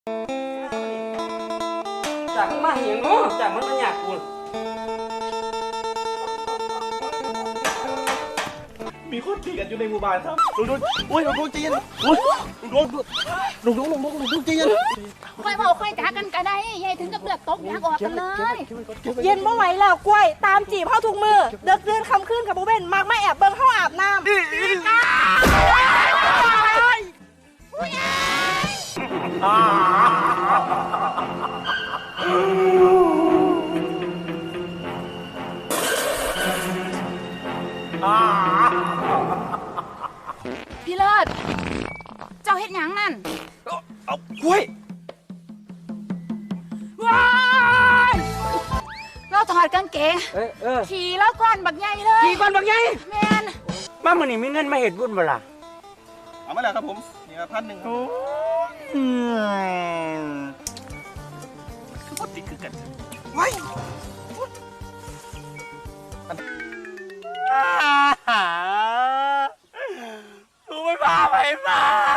จากมันมาเหี้ยงเนาะจากมันมาหยาบกูมีคนขี่กันอยู่ในหมู่บ้านครับลุงอุ้ยลุงจีนอุ้ยลุงจีนค่อยเผาค่อยจ้ากันก็ได้ยายถึงกับเลือดตกยางออกกันเลยเย็นบ่ไหวแล้วกล้วยตามจีบเข้าทุกมือเดือดเดือนคำขึ้นกับบุเบนมากมาแอบเบิ่งเข้าอาบน้ำพี่เลิศเจ้าเฮ็ดหยังนั่นเอากล้วยว้ายเราถอดกางเกงขี่แล้วก้อนบักใหญ่เลยขี่ก่อนบักใหญ่แมนมามื้อนี้มีเงินมาเฮ็ดบุญบ่ล่ะเอามาแล้วครับผมนี่ครับ1,000คือพอดีคือกันไว้กูไม่พาไปมา